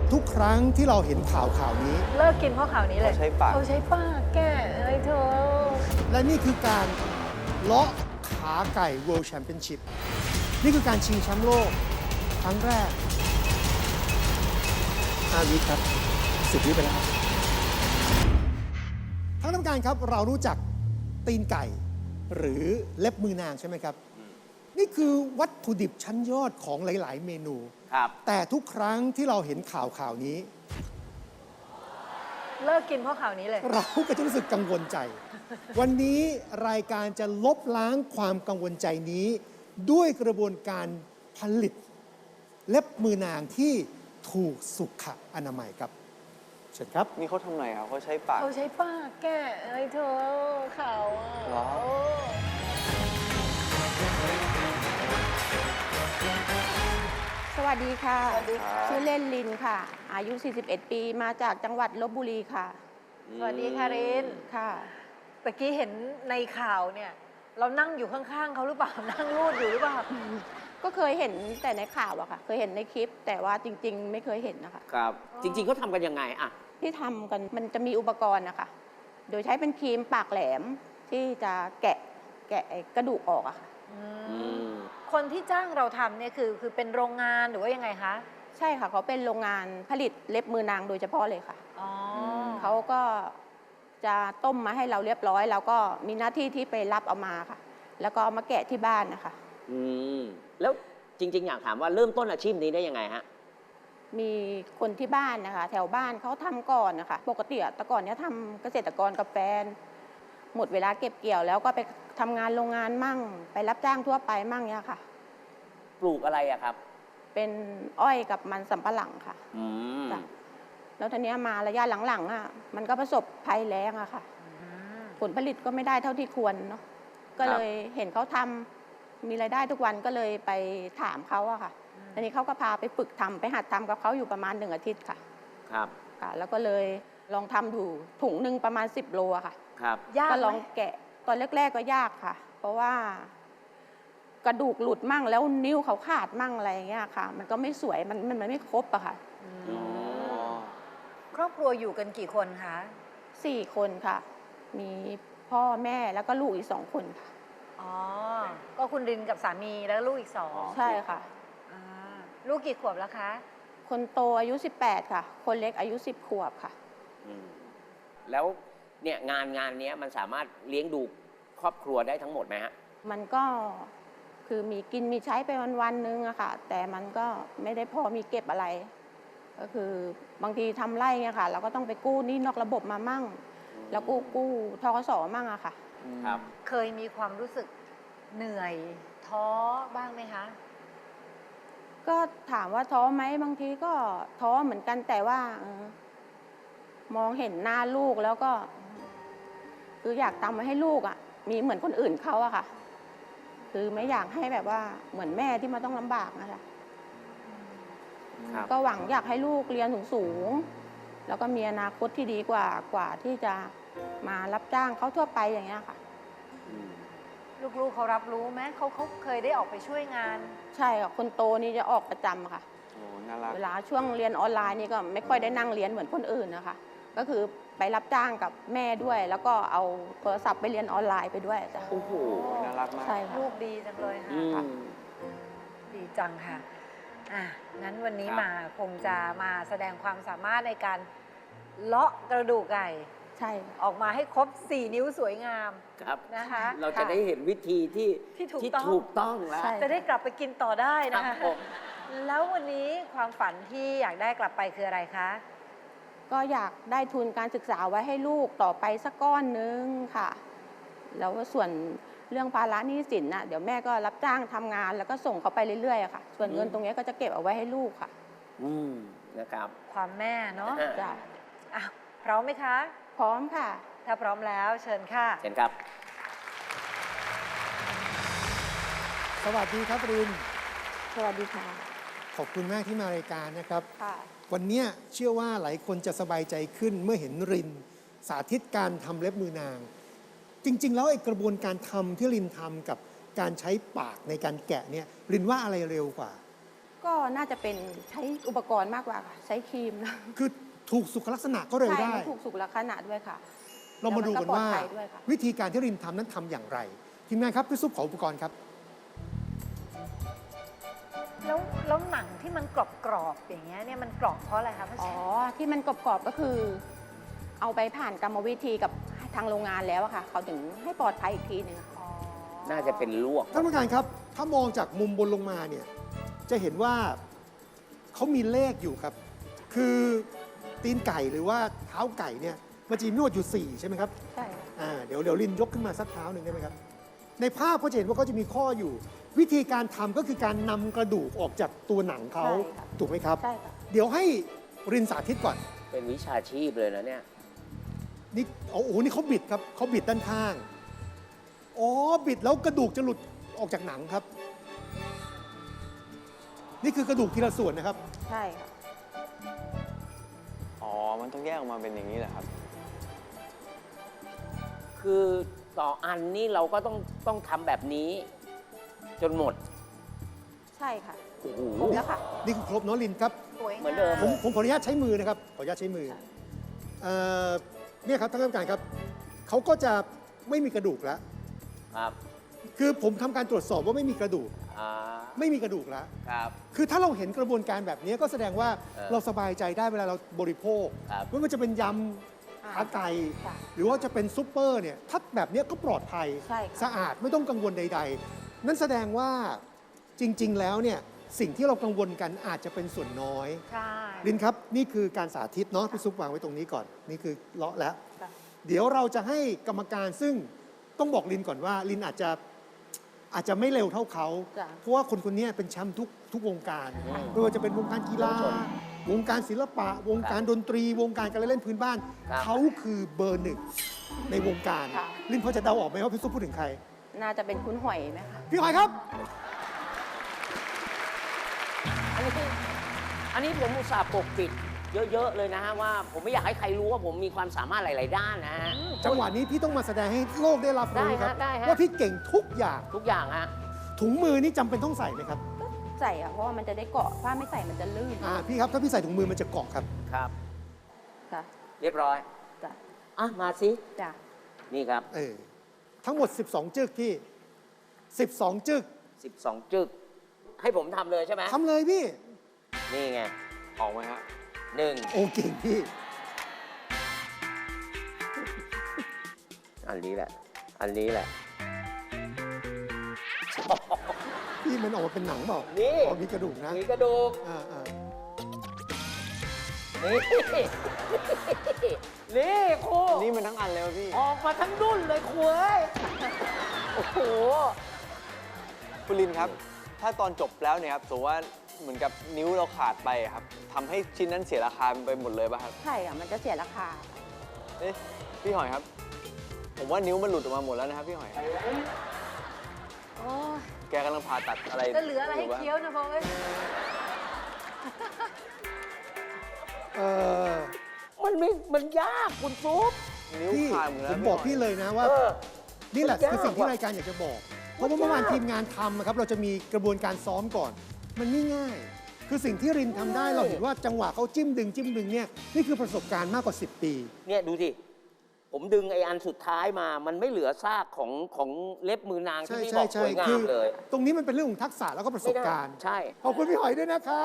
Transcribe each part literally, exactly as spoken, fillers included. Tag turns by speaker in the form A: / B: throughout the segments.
A: ทุกครั้งที่เราเห็นข่าวข่าวนี้
B: เลิกกินเพราะข่าวนี้เลย
C: เขาใช้ปาก
B: เขาใช้ปากแก้อะไรเธอ
A: และนี่คือการเลาะขาไก่ World Championship นี่คือการชิงแชมป์โลกครั้งแรกห้าวิครับสิบวิไปแล้วครับท่านกรรมการครับเรารู้จักตีนไก่หรือเล็บมือนางใช่ไหมครับ นี่คือวัตถุดิบชั้นยอดของหลาย ๆ เมนู
C: ครับ
A: แต่ทุกครั้งที่เราเห็นข่าวข่าวนี้
B: เลิกกินเพราะข่าวนี้เลย
A: เราก็จะรู้สึกกังวลใจ วันนี้รายการจะลบล้างความกังวลใจนี้ ด้วยกระบวนการผลิตเล็บมือนางที่ถูกสุขอนามัยครับเชิญครับ
C: นี่เขาทำไงครับเขาใช้ปาก
B: เขาใช้ปากแก้อะไรเธอข่าวอ่ะ
C: เหรอ
B: โอ้
D: สวัสดีค่ะ
B: สวัสดีค่ะ
D: ชื่อเล่นลินค่ะ อายุ สี่สิบเอ็ด ปี มาจากจังหวัดลบบุรีค่ะ
B: สวัสดีค่ะริน
D: ค่ะ
B: ตะกี้เห็นในข่าวเนี่ย เรานั่งอยู่ข้างๆเขาหรือเปล่า นั่งรูดอยู่หรือเปล่า
D: ก็เคยเห็นแต่ในข่าวอะค่ะ เคยเห็นในคลิป แต่ว่าจริง ๆ ไม่เคยเห็นนะคะ
C: ครับ
E: จริงๆเขาทำกันยังไงอะ
D: ที่ทำกันมันจะมีอุปกรณ์นะคะ โดยใช้เป็นครีมปากแหลมที่จะแกะแกะไอ้กระดูกออกอะค่ะ
B: อืม
E: อืม
B: คนที่จ้างเราทำเนี่ยคือคือเป็นโรงงานหรือว่ายังไงคะ
D: ใช่ค่ะ เขาเป็นโรงงานผลิตเล็บมือนางโดยเฉพาะเลยค่ะ
B: อ๋อ
D: เขาก็จะต้มมาให้เราเรียบร้อย แล้วก็มีหน้าที่ที่ไปรับเอามาค่ะ แล้วก็เอามาแกะที่บ้านนะคะ
E: อืม แล้วจริง ๆ อยากถามว่าเริ่มต้นอาชีพนี้ได้ยังไงฮะ
D: มีคนที่บ้านนะคะ แถวบ้านเขาทำก่อนนะคะ ปกติอะแต่ก่อนเนี้ยทำเกษตรกรกับแฟน หมดเวลาเก็บเกี่ยวแล้วก็ไปทำงานโรงงานมั่ง ไปรับจ้างทั่วไปมั่งเนี่ยค่ะ
E: ปลูกอะไรอะครับ
D: เป็นอ้อยกับมันสำปะหลังค่ะ
E: อืม
D: จ้ะ แล้วทีเนี้ยมาระยะหลังๆอ่ะมันก็ประสบภัยแล้งอะค่ะ
B: อืม
D: ผลผลิตก็ไม่ได้เท่าที่ควรเนาะก็เลยเห็นเขาทำมีรายได้ทุกวันก็เลยไปถามเขาอะค่ะทีนี้เขาก็พาไปฝึกทำไปหัดทำกับเขาอยู่ประมาณหนึ่งอาทิตย์ค่ะ
E: ครับ
D: ค่ะ แล้วก็เลยลองทำอยู่ถุงหนึ่งประมาณสิบโลอะค่ะ
E: ครับ
B: ยาก
D: ก็
B: ไห
D: ล
B: ม
D: องแกะตอนแรก ๆก็ยากค่ะ เพราะว่า กระดูกหลุดมั่งแล้วนิ้วเขาขาดมั่งอะไรอย่างเงี้ยค่ะ มันก็ไม่สวยมันมันมันไม่ครบอะค่ะ
B: อืม
E: อ๋อ
B: ครอบครัวอยู่กันกี่คนคะ
D: สี่คนค่ะ มีพ่อแม่แล้วก็ลูกอีกสองคนค่ะ
B: อ๋อ ก็คุณรินกับสามีแล้วลูกอีกสอง
D: ใช่ค่ะ
B: อ่าลูกกี่ขวบแล้วคะ
D: คนโตอายุสิบแปดค่ะ คนเล็กอายุสิบขวบค่ะ
E: อืม แล้วเนี่ยงานงานเนี้ยมันสามารถเลี้ยงดูครอบครัวได้ทั้งหมดไหมฮะ
D: มันก็คือมีกินมีใช้ไปวันๆนึงอะค่ะ แต่มันก็ไม่ได้พอมีเก็บอะไร ก็คือบางทีทำไร่เนี่ยค่ะ เราก็ต้องไปกู้หนี้นอกระบบมามั่ง แล้วกู้กู้ทกสมั่งอะค่ะ
E: ครับ
B: เคยมีความรู้สึกเหนื่อยท้อบ้างไหมคะ
D: ก็ถามว่าท้อไหมบางทีก็ท้อเหมือนกันแต่ว่าเออมองเห็นหน้าลูกแล้วก็ คืออยากทำมาให้ลูกอะ่ะ มีเหมือนคนอื่นเขาอะค่ะ คือไม่อยากให้แบบว่าเหมือนแม่ที่มาต้องลำบากนะคะ
E: ครับ
D: ก็หวังอยากให้ลูกเรียนสูงๆแล้วก็มีอนาคตที่ดีกว่ากว่าที่จะมารับจ้างเขาทั่วไปอย่างเงี้ยค่ะ
E: อืม
B: ลูกๆเขารับรู้ไหมเขาเขาเคยได้ออกไปช่วยงาน
D: ใช่ค่ะคนโตนี่จะออกประจำค่ะ
C: โอ้น่ารัก
D: เวลาช่วงเรียนออนไลน์นี่ก็ไม่ค่อยได้นั่งเรียนเหมือนคนอื่นนะคะ ก็คือไปรับจ้างกับแม่ด้วย แล้วก็เอาโทรศัพท์ไปเรียนออนไลน์ไปด้วยจ้ะ
E: โอ้โห
C: น่ารักมาก
D: ใช่ค่ะ
B: ลูกดีจังเลย
E: อื
B: ค่ะ
E: ม
B: ดีจังค่ะ อ่ะ งั้นวันนี้
E: ครับ
B: มาคงจะมาแสดงความสามารถในการเลาะกระดูกไก่
D: ใช่ค่ะ
B: ออกมาให้ครบ สี่ นิ้วสวยงาม
E: ครับ
B: นะคะ
E: เราจะได้เห็นวิธีที่
B: ที่ถูกต้อง
E: ถูกต้องแล้ว
D: ใช่
B: จะได้กลับไปกินต่อได้
E: ครั
B: นะ
E: บ
B: คะ
E: ผม
B: แล้ววันนี้ความฝันที่อยากได้กลับไปคืออะไรคะ
D: ก็อยากได้ทุนการศึกษาไว้ให้ลูกต่อไปสักก้อนนึงค่ะ แล้วก็ส่วนเรื่องภาระหนี้สินน่ะเดี๋ยวแม่ก็รับจ้างทำงาน แล้วก็ส่งเขาไปเรื่อยๆอะค่ะ ส่วนเงินตรงนี้ก็จะเก็บเอาไว้ให้ลูกค่ะ
E: อืม นะครับ
B: ความแม่เนาะ
E: อ่ะ
D: จ้ะ
B: อ่ะพร้อมไหมคะ
D: พร้อมค่ะ
B: ถ้าพร้อมแล้วเชิญค่ะ
E: เช่นครับ
A: สวัสดีครับริน
D: สวัสดีค่ะ
A: ขอบคุณมากที่มารายการนะครับ
D: ค่ะ
A: วันเนี้ยเชื่อว่าหลายคนจะสบายใจขึ้นเมื่อเห็นริน สาธิตการทำเล็บมือนาง จริง ๆ แล้วไอ้กระบวนการทำที่รินทำกับการใช้ปากในการแกะเนี่ยรินว่าอะไรเร็วกว่า
D: ก็น่าจะเป็นใช้อุปกรณ์มากกว่าค่ะ ใช้ครีมนะ
A: คือถูกสุขลักษณะก็เร็ว
D: ใช่
A: ได้
D: มันถูกสุขลักษณะด้วยค่ะ
A: เรามาดูกันว่า
D: แล้วมันก็ปลอดภัยด้วยค่ะ
A: วิธีการที่รินทำนั้นทำอย่างไร ทีมงานครับพี่ซุปขออุปกรณ์ครับ
B: แล้วแล้วหนังที่มันกรอบกรอบๆอย่างเงี้ยเนี่ยมันกรอบเพราะอะไรคะพ่อ
D: อ๋
B: แช
D: อ
B: มป์
D: ที่มันกรอบๆก็คือ เอาไปผ่านกรรมวิธีกับทางโรงงานแล้วอะค่ะ เขาถึงให้ปลอดภัยอีกทีหนึงอะค่ะ
B: อ๋อ
E: น่าจะเป็นลวก
A: ท่านผู้การครับ ถ้ามองจากมุมบนลงมาเนี่ย จะเห็นว่าเขามีเลขอยู่ครับ คือตีนไก่หรือว่าเท้าไก่เนี่ย มันจะมีนวดอยู่ 4 ใช่ไหมครับ
D: ใช่ค่ะ
A: อ่า เดี๋ยวเดี๋ยวลินยกขึ้นมาสักเท้าหนึ่งได้ไหมครับ ในภาพก็จะเห็นว่าเขาจะมีข้ออยู่ วิธีการทำก็คือการนำกระดูกออกจากตัวหนังเขา
D: ใช่ค่ะ
A: ถูกไหมครับ
D: ใช่ค่ะ
A: เดี๋ยวให้รินสาธิตก่อน
E: เป็นวิชาชีพเลยนะเนี่ย
A: นี่โอ้โห นี่เขาบิดครับเขาบิดด้านข้าง อ๋อ บิดแล้วกระดูกจะหลุดออกจากหนังครับ นี่คือกระดูกทีละส่วนนะครับ
D: ใช่ค่ะ
C: อ๋อ มันต้องแยกออกมาเป็นอย่างนี้แหละครับ
E: คือต่ออันนี่เราก็ต้องต้องทำแบบนี้ จนหมด
D: ใช่ค่ะ
E: โอ้โห
D: ครบแล้วค่ะ
A: นี่คือครบเน้องลินครับ
B: สวย
E: เหมือนเดิม
A: ผมผมขออนุญาตใช้มือนะครับ ขออนุญาตใช้มือ
D: ค่ะ
A: เอ่อเนี่ยครับท่านผู้การครับ เขาก็จะไม่มีกระดูกแล้ว
E: ครับ
A: คือผมทำการตรวจสอบว่าไม่มีกระดูก
E: อ่า
A: ไม่มีกระดูกแล้ว
E: ครับ
A: คือถ้าเราเห็นกระบวนการแบบนี้ก็แสดงว่า
E: เออ
A: เราสบายใจได้เวลาเราบริโภค
E: ครับ
A: ไม่ว่าจะเป็นยำ
D: อ่า
A: ขาไก่
D: ค่ะ
A: หรือว่าจะเป็นซุปเปอร์เนี่ย ถ้าแบบเนี้ยก็ปลอดภัย
D: ใช่ค่ะ
A: สะอาดไม่ต้องกังวลใด ๆ นั่นแสดงว่าจริง ๆ แล้วเนี่ยสิ่งที่เรากังวลกันอาจจะเป็นส่วนน้อย
B: ใช่
A: ลินครับ นี่คือการสาธิตเนาะพี่ซุปวางไว้ตรงนี้ก่อน นี่คือเลาะแล้ว
D: ค่ะ
A: เดี๋ยวเราจะให้กรรมการซึ่งต้องบอกลินก่อนว่าลินอาจจะอาจจะไม่เร็วเท่าเขา
D: จ้ะ
A: เพราะว่าคนคนนี้เป็นแชมป์ทุกทุกวงการไม่ว่าจะเป็นวงการกีฬา วงการศิลปะ วงการดนตรี วงการการเล่นพื้นบ้าน
E: ครับ
A: เขาคือเบอร์หนึ่งในวงการ
D: ค่ะ
A: ลินพอจะเดาออกไหมว่าพี่ซุปพูดถึงใคร
D: น่าจะเป็นคุณหอยไหมคะ
A: พี่หอยครับ
E: อันนี้อันนี้ผมอุตส่าห์ปกปิด เยอะ ๆ เลยนะฮะว่า ผมไม่อยากให้ใครรู้ว่าผมมีความสามารถหลาย ๆ ด้านนะฮะ
A: จังหวะนี้พี่ต้องมาแสดงให้โลกได้รับรู้ครับ
E: ได้ฮะได้ฮะ
A: ว่าพี่เก่งทุกอย่าง
E: ทุกอย่างฮะ
A: ถุงมือนี่จำเป็นต้องใส่ไหมครับ
D: ใส่อะเพราะว่ามันจะได้เกาะ ถ้าไม่ใส่มันจะลื่น
A: อ่าพี่ครับถ้าพี่ใส่ถุงมือมันจะเกาะครับ
E: ครับ
D: ค่ะ
E: เรียบร้อย
D: จ้ะ
E: อ่ะ มาสิ
D: จ้ะ
E: นี่ครับ
A: เออทั้งหมด สิบสอง จึกพี่ สิบสอง จึก
E: สิบสอง จึก ให้ผมทำเลยใช่ไหม
A: ทำเลยพี่
E: นี่ไง
C: ออกไหมฮะ
E: หนึ่ง
A: โอเก่งพี่
E: อันนี้แหละ อันนี้แหละ
A: พี่มันออกมาเป็นหนังเปล่า
E: นี่
A: อ๋อมีกระดูกนะ
E: มีกระดูก
A: อ่าอ่า
E: นี่ นี่ครู
C: นี่มันทั้งอันเลยวะพี่
E: ออกมาทั้งดุ้นเลยครูเอ้ย โอ้โห
C: คุณลินครับ ถ้าตอนจบแล้วเนี่ยครับสมมติว่าเหมือนกับนิ้วเราขาดไปครับทำให้ชิ้นนั้นเสียราคาไปหมดเลยป่ะครับ
D: ใช่อะมันจะเสียราคา
C: เอ๊ะพี่หอยครับ ผมว่านิ้วมันหลุดออกมาหมดแล้วนะครับพี่หอย
B: โอ้ย
C: แกกำลังผ่าตัดอะไร
B: จะเหลืออะไรให้
C: ยู่ป
B: เคี้ยวนะพ่อเอ้ย
A: เออ
E: มันไม่ มันยากคุณซุป
C: นิ้ว
A: พี่
C: ขาดหมด
A: ผ
C: แล้ว
A: มบอกพี่เลยนะว่า
E: เออ
A: นี่แหละ
E: มันยาก
A: คือสิ่งที่
E: ว่ะ
A: รายการอยากจะบอก เพราะว่าเมื่อวานทีมงานทำนะครับ เราจะมีกระบวนการซ้อมก่อน มันไม่ง่าย คือสิ่งที่รินทำได้เราเห็นว่าจังหวะเขาจิ้มดึงจิ้มดึงเนี่ยนี่คือประสบการณ์มากกว่า สิบ ปี
E: เนี่ยดูสิ ผมดึงไอ้อันสุดท้ายมา มันไม่เหลือซากของของเล็บมือนางที่
A: ใช่
E: พี่
A: ใช่
E: บอกส
A: ใช่
E: วยงา
A: คื
E: มเลย
A: ตรงนี้มันเป็นเรื่องของทักษะแล้วก็ประสบการณ์
E: ใช่
A: ขอบคุณพี่หอยด้วยนะครับ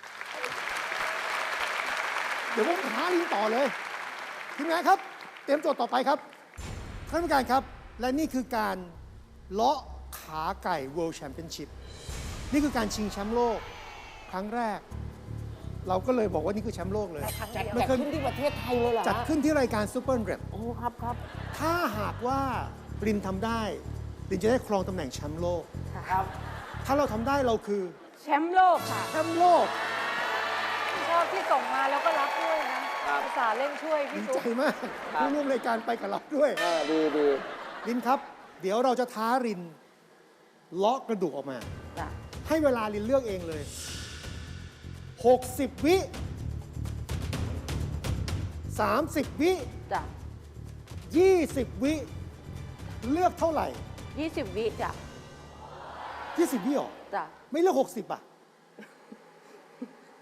A: เดี๋ยวผมหาลิงต่อเลยทีมงานครับ เตรียมโจทย์ต่อไปครับท่านผู้การครับ และนี่คือการเลาะขาไก่ World Championship นี่คือการชิงแชมป์โลกครั้งแรก เราก็เลยบอกว่านี่คือแชมป์โลกเลย
B: แต่ครั้ง
E: จัด
B: เดียว
A: ไม่
E: จัด
A: เคย
E: ขึ้นที่ประเทศไทยเลยเหรอ
A: จัด
E: ฮะ
A: ขึ้นที่รายการ Super Rap
E: โอ้ครับครับ
A: ถ้าหากว่ารินทำได้รินจะได้ครองตำแหน่งแชมป์โลก
E: ครับ
A: ถ้าเราทำได้เราคือ
D: แชมป์โลกค่ะ
A: แชมป์โลก
B: ชอบที่ส่งมาแล้วก็รับด้วยนะครับ ภาษาห์เล่นช่วย
A: ดี
B: พี่
A: ใจ
B: ซุป
A: มาก
E: ครับ
A: ผู้ร่วมรายการไปกับเราด้วย
E: เออดีดี
A: รินครับ เดี๋ยวเราจะท้ารินเลาะกระดูกออกมา
D: จ้ะ
A: ให้เวลารินเลือกเองเลย หกสิบ วิ สามสิบ วิ
D: จ้ะ
A: ยี่สิบ วิ เลือกเท่าไหร่
D: ยี่สิบวิจ้ะ
A: ยี่สิบ วิหรอ
D: จ้ะ
A: ไม่เลือก หกสิบ อ่ะ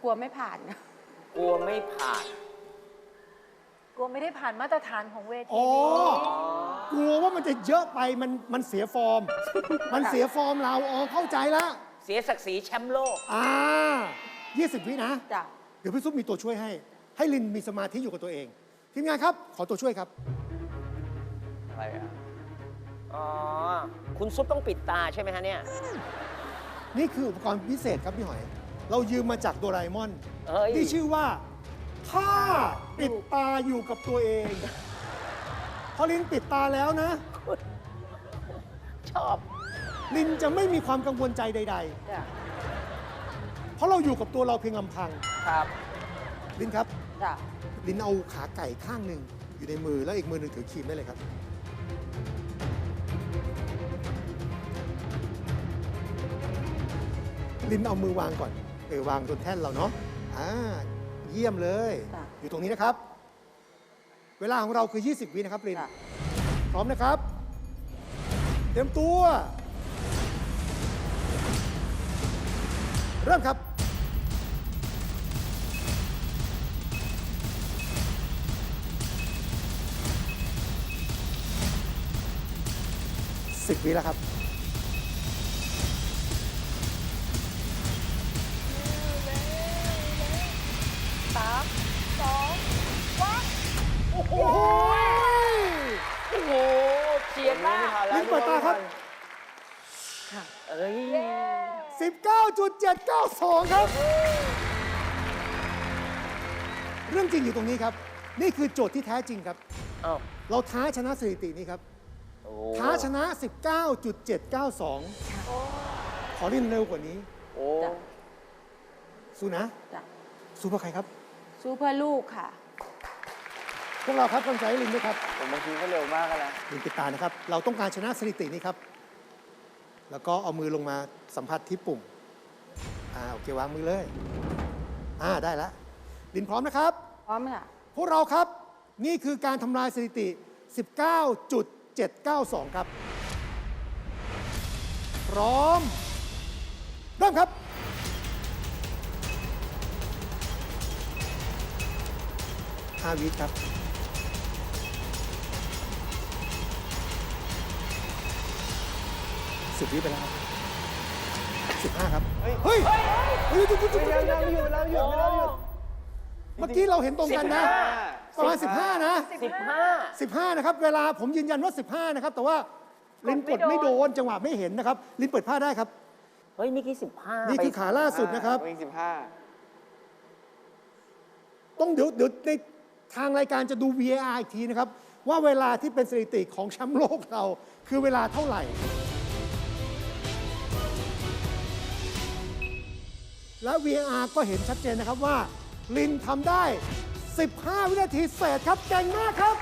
D: ลัวไม่ผ่าน
E: กลัวไม่ผ่าน
B: กลัวไม่ได้ผ่านมาตรฐานของเวที
A: อ๋อ
B: นี้
A: กลัวว่ามันจะเยอะไปมันมันเสียฟอร์ม มันเสียฟอร์มเราอ๋อเข้าใจแล้ว
E: เสียศักดิ์ศรีแชมป์โลก
A: อ่ายี่สิบวินะ
D: จ้ะ
A: เดี๋ยวพี่ซุปมีตัวช่วยให้ ให้ลินมีสมาธิอยู่กับตัวเอง ทีมงานครับ ขอตัวช่วยครับ
C: อะไรอ่ะ
E: อ๋อ คุณซุปต้องปิดตาใช่ไหมฮะเนี่ย
A: นี่คืออุปกรณ์พิเศษครับพี่หอย เรายืมมาจากโดราเอมอน
E: เอ้ย
A: ที่ชื่อว่าถ้าปิดตาอยู่กับตัวเอง พอลินปิดตาแล้วนะ
E: ชอบ
A: ลินจะไม่มีความกังวลใจใด
D: จ้ะ
A: ๆ เพราะเราอยู่กับตัวเราเพียงลำพัง
E: ครับ
A: ลินครับ
D: จ้ะ
A: ลินเอาขาไก่ข้างหนึ่งอยู่ในมือแล้วอีกมือหนึ่งถือครีมได้เลยครับ ลินเอามือวางก่อนเออวางบนแท่นเราเนาะอ่าเยี่ยมเลย
D: จ้ะ
A: อยู่ตรงนี้นะครับ เวลาของเราคือ ยี่สิบ วินะครับลิน
D: จ้ะ
A: พร้อมนะครับ เตรียมตัว เริ่มครับ สิบ วิแล้วครับ
B: สามสองวัด
A: โอ้โห
E: โอ้โหเฉียดมาก
A: ลินเปิดตาครับ
E: เอ้ย
A: สิบเก้าจุดเจ็ดเก้าสอง ครับ เรื่องจริงอยู่ตรงนี้ครับ นี่คือโจทย์ที่แท้จริงครับ
E: เอ้า
A: เราท้าชนะสถิตินี้ครับ
E: โอ้
A: ท้าชนะ สิบเก้าจุดเจ็ดเก้าสอง ขอเล่นเร็วกว่านี้
C: โอ้
D: จ้ะ
A: สู้นะ
D: จ้ะ
A: สู้เพื่อใครครับ
D: สู้เพื่อลูกค่ะ
A: พวกเราครับกำลังใจให้ลินด้วยครับ
C: ผมบางทีก็เร็วมากแล้วนะ
A: ลินติดตานะครับ เราต้องการชนะสถิตินี้ครับ แล้วก็เอามือลงมาสัมผัสที่ปุ่ม อ่าโอเควางมือเลย อ่าได้แล้ว ลินพร้อมนะครับ
D: พร้อมค่ะ
A: พวกเราครับ นี่คือการทำลายสถิติ สิบเก้าจุดเจ็ดเก้าสอง ครับ พร้อม เริ่มครับ ห้า วิครับ สิบ วิไปแล้วครับสิบห้า ครับ เฮ้ย เฮ้ยเฮ้ยหยุดหยุดหยุดหยุด
C: เราหยุดเราหยุดไม่เราหยุด
A: เมื่อกี้เราเห็นตรงกันนะ ประมาณ สิบห้า นะ
E: สิบห้า
A: สิบห้า นะครับ เวลาผมยืนยันว่า สิบห้า นะครับ แต่ว่าลินกดไม่โดน จังหวะไม่เห็นนะครับ ลินเปิดผ้าได้ครับ
E: เฮ้ยเมื่อกี้สิบห้า
A: นี่คือขาล่าสุดนะครับ
C: วิ่งสิบห้า
A: ต้องเดี๋ยวเดี๋ยวในทางรายการจะดู วี เอ อาร์ อีกทีนะครับ ว่าเวลาที่เป็นสถิติของแชมป์โลกเรา คือเวลาเท่าไหร่ และ วี เอ อาร์ ก็เห็นชัดเจนนะครับว่า ลินทำได้ สิบห้า วินาทีเศษครับเก่งมากครับ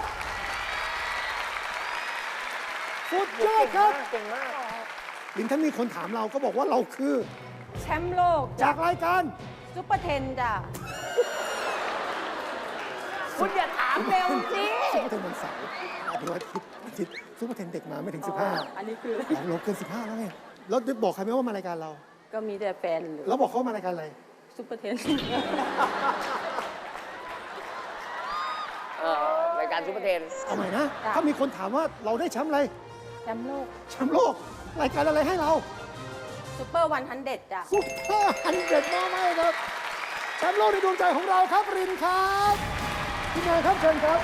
A: สุดยอดครับ
E: เก่งมาก
A: ลินถ้ามีคนถามเราก็บอกว่าเราคือ
D: แชมป์โลก
A: จากรายการ
D: ซุปเปอร์เทนจ้ะ
E: คุณอย่าถามเร็วสิ
A: ซุปเปอร์เทนวันเสาร์อาทิตย์อาทิตย์ซุปเปอร์เทนเด็กมาไม่ถึง สิบห้า
D: อันนี้คือ
A: เราเราเกิน สิบห้า แล้วไงแล้วได้บอกใครไหมว่ามารายการเรา
D: ก็มีแต่แฟนหรือ
A: แล้วบอกเขาว่ามารายการอะไร
D: ซุปเปอร์เทน
E: เออรายการซุปเปอร์เทน
A: เอาใหม่นะ
D: จ้ะ
A: ถ้ามีคนถามว่าเราได้แชมป์อะไร
D: แชมป์โลก
A: แชมป์โลก รายการอะไรให้เรา
D: ซุปเปอร์วันฮันเด็ดจ้ะ
A: ซุปเปอร์ฮันเด็ดมากไหมครับ แชมป์โลกในดวงใจของเราครับ รินครับพี่นายครับเชิญครับ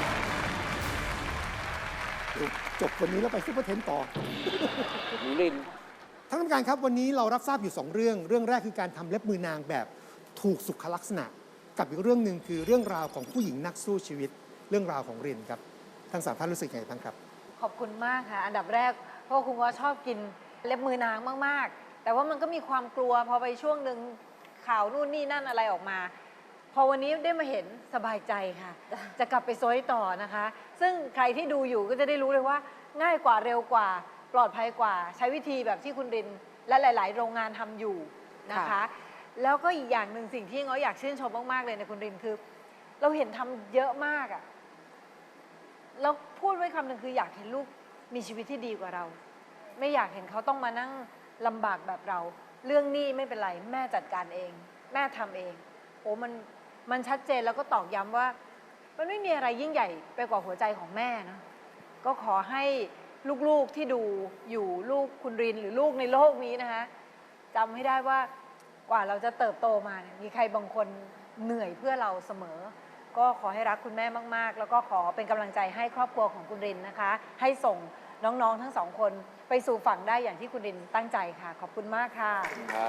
A: เดี๋ยวจบวันนี้แล้วไปซุปเปอร์เทนต่อ
E: ลิน
A: ท่านกรรมการครับวันนี้เรารับทราบอยู่ สอง เรื่อง เรื่องแรกคือการทำเล็บมือนางแบบถูกสุขลักษณะ กับอีกเรื่องหนึ่งคือเรื่องราวของผู้หญิงนักสู้ชีวิต เรื่องราวของรินครับทั้งสามท่านรู้สึกยังไงบ้างครับ
B: ขอบคุณมากค่ะ อันดับแรกเพราะว่าคุณว่าชอบกินเล็บมือนางมาก ๆ แต่ว่ามันก็มีความกลัวพอไปช่วงหนึ่งข่าวนู่นนี่นั่นอะไรออกมา พอวันนี้ได้มาเห็นสบายใจค่ะ จะกลับไปโซยต่อนะคะ ซึ่งใครที่ดูอยู่ก็จะได้รู้เลยว่า ง่ายกว่าเร็วกว่า ปลอดภัยกว่า ใช้วิธีแบบที่คุณริน และหลาย ๆ โรงงานทำอยู่นะคะ
D: ค่ะ
B: แล้วก็อีกอย่างหนึ่งสิ่งที่ง้ออยากชื่นชมมาก ๆ เลยในคุณรินคือ เราเห็นทำเยอะมากอะ แล้วพูดไว้คำหนึ่งคืออยากเห็นลูกมีชีวิตที่ดีกว่าเรา ไม่อยากเห็นเขาต้องมานั่งลำบากแบบเรา เรื่องหนี้ไม่เป็นไร แม่จัดการเอง แม่ทำเองโอ้มันมันชัดเจนแล้วก็ตอกย้ำว่า มันไม่มีอะไรยิ่งใหญ่ไปกว่าหัวใจของแม่นะก็ขอให้ลูกๆที่ดูอยู่ลูกคุณรินหรือลูกในโลกนี้นะคะจำให้ได้ว่ากว่าเราจะเติบโตมาเนี่ยมีใครบางคนเหนื่อยเพื่อเราเสมอ ก็ขอให้รักคุณแม่มากๆ แล้วก็ขอเป็นกำลังใจให้ครอบครัวของคุณรินนะคะ ให้ส่งน้องๆทั้งสองคนไปสู่ฝั่งได้อย่างที่คุณรินตั้งใจค่ะ ขอบคุณมากค่ะ
C: ครับ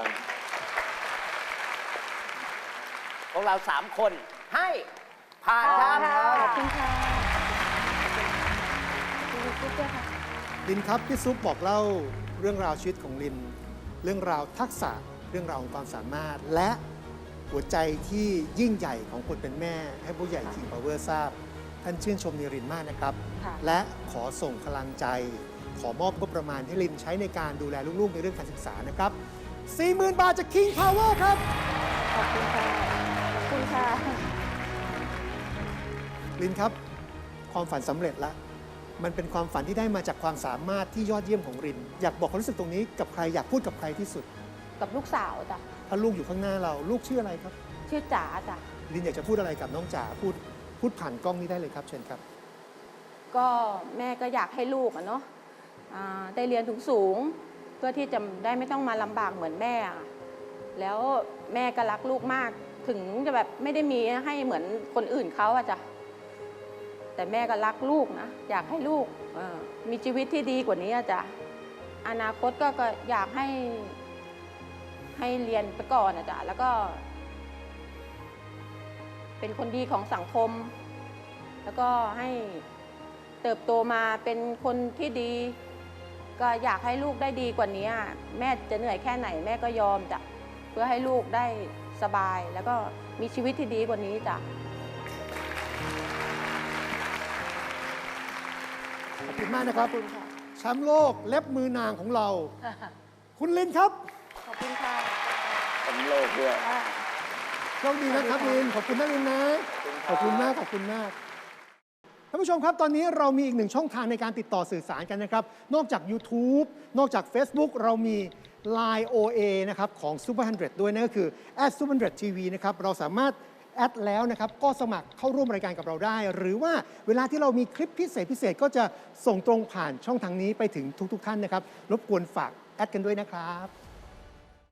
E: พวกเราสามคนให้ผ่านครับ
D: ขอบคุณค่ะคุณกุ๊กด้วยค่ะ
A: ลินครับพี่ซุปบอกเล่าเรื่องราวชีวิตของลิน เรื่องราวทักษะเรื่องราวของความสามารถ และหัวใจที่ยิ่งใหญ่ของคนเป็นแม่ ให้ผู้ใหญ่ King Power ทราบ ท่านชื่นชมในรินมากนะครับ
B: ค่ะ
A: และขอส่งพลังใจ ขอมอบงบประมาณให้ลินใช้ในการดูแลลูกๆในเรื่องการศึกษานะครับ สี่หมื่น บาทจาก King Power ครับ
D: ขอบคุณค่ะ ขอบคุณค่ะ
A: ลินครับ ความฝันสำเร็จแล้ว มันเป็นความฝันที่ได้มาจากความสามารถที่ยอดเยี่ยมของริน อยากบอกความรู้สึกตรงนี้กับใครอยากพูดกับใครที่สุด
D: กับลูกสาวจ้ะ
A: ถ้าลูกอยู่ข้างหน้าเราลูกชื่ออะไรครับ
D: ชื่อจ๋าจ้ะ
A: ลินอยากจะพูดอะไรกับน้องจ๋าพูดพูดผ่านกล้องนี้ได้เลยครับเชิญครับ
D: ก็แม่ก็อยากให้ลูกอะเนาะอ่าได้เรียนสูงสูงๆเพื่อที่จะได้ไม่ต้องมาลำบากเหมือนแม่อะแล้วแม่ก็รักลูกมาก ถึงจะแบบไม่ได้มีให้เหมือนคนอื่นเขาอะจ้ะแต่แม่ก็รักลูกนะอยากให้ลูกเอ่อมีชีวิตที่ดีกว่านี้อะจ้ะอนาคตก็ก็อยากให้ให้เรียนไปก่อนอะจ้ะแล้วก็ เป็นคนดีของสังคม แล้วก็ให้เติบโตมาเป็นคนที่ดี ก็อยากให้ลูกได้ดีกว่านี้ แม่จะเหนื่อยแค่ไหนแม่ก็ยอมจ้ะเพื่อให้ลูกได้สบาย แล้วก็มีชีวิตที่ดีกว่านี้จ้ะ
A: ขอบคุณมากนะครับ
D: ขอบคุณค่ะ
A: แชมป์โลกเล็บมือนางของเรา คุณลินครับ
D: ขอบคุณค่ะ
C: สำโลกด้วย
A: โชคดีนะครับลิน ขอบคุณนะลินนะ ขอบคุณมาก ขอบคุณมาก ท่านผู้ชมครับ ตอนนี้เรามีอีกหนึ่งช่องทางในการติดต่อสื่อสารกันนะครับ นอกจาก YouTube นอกจาก Facebook เรามี ไลน์ โอ เอ นะครับของ Super หนึ่งร้อย ด้วยนั่นก็คือ แอท Super หนึ่งร้อย ที วี นะครับ เราสามารถแอดแล้วนะครับ ก็สมัครเข้าร่วมรายการกับเราได้ หรือว่าเวลาที่เรามีคลิปพิเศษพิเศษก็จะส่งตรงผ่านช่องทางนี้ไปถึงทุกๆท่านนะครับ รบกวนฝากแอดกันด้วยนะครับ